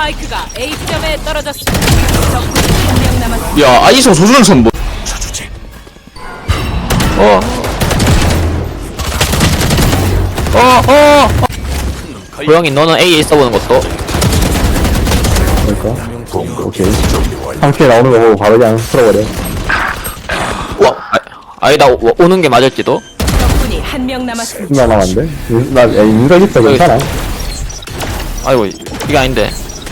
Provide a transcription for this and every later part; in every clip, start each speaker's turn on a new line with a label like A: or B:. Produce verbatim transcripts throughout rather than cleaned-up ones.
A: 스파이크가 A 지점에 떨어졌습니다. 적군이 한 명 남았습니다.
B: 야 아이소 조준선 뭐 어. 어, 어, 어. 고영이 너는 A에 써보는 것도.
C: 그러니까 오케이 상쾌 나오는 거 보고 바로 그냥 풀어버려.
B: 와, 아, 아니다 오, 오는 게 맞을지도.
A: 적군이 한 명 남았습니다.
C: 나 남았는데? 나 야, 인간 있어 괜찮아.
B: 아이고 이게 아닌데.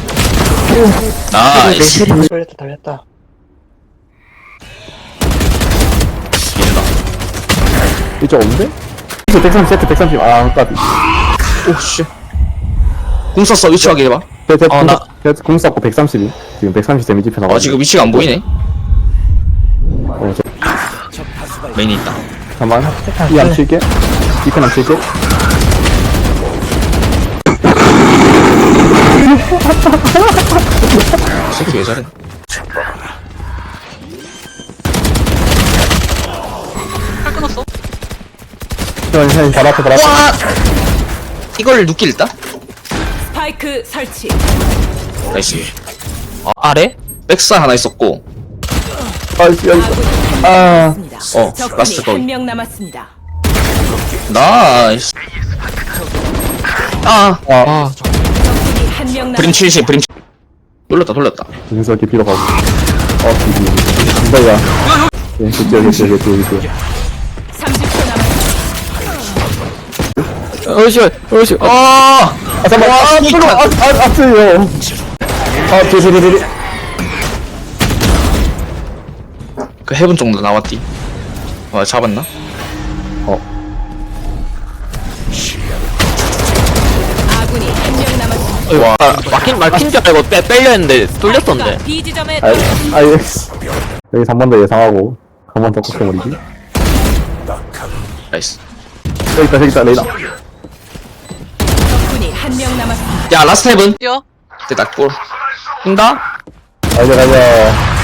B: 나이스.
D: 돌렸다 돌렸다.
C: 이쪽 없는데? 이거 백삼십 세트 백삼십 아 까비.
B: 오씨. 궁 썼어 위치 확인해봐. 어, 나-
C: 공 쐈고 백삼십이 지금 백삼십 데미지 펴 나가.
B: 아 지금 위치가 안 보이네.
C: 어, 저,
B: 메인이 있다.
C: 잠깐만 이안 칠게 이편 안 칠게.
B: 이 새끼 왜 저래?
C: 현, 현, 바로 앞에 바로 앞에.
B: 와! 이걸 누끼 일다?
A: 스파이크 설치.
B: 나이스. 아, 아래? 백사 하나 있었고.
C: 아 여기 있어.
A: 아군이
C: 아
A: 남았습니다.
B: 어,
A: 적군이
B: 라스트 거기.
A: 한 명 남았습니다.
B: 나이스. 아,
C: 아,
A: 적군이 한 명
B: 브림
A: 남았습니다.
B: 칠십, 브림. 돌렸다, 돌렸다.
C: 윤석이 비로 가고. 어 비비. 김다이야. 예, 그치 여기 있어 여기 있어 여기 있어.
A: 삼십 초 남았습니다.
B: 어이씨, 어이씨. 아!
C: 아 잠깐만. 아 뜨거. 아아 아프요. 아 비비비비.
B: 그 해븐 정도 나왔디. 와, 잡았나?
A: 아군이 한 명 남았습니다.
B: 와, 막힌, 막힌 줄 알고 빼, 빼려 했는데, 뚫렸었는데.
A: 스파이크가 B 지점에
C: 아
A: 떨어졌습니다.
C: 아 예스. 여기 한 번 더 예상하고 한 번 더 꺾어버리기.
B: 나이스.
C: 여기 있다 여기 있다 레이나.
A: 적군이 한 명 남았습니다.
B: 야, 라스트 해븐.
E: 뛰어.
B: 됐다, 골. 뛴다?
C: 가자 가자.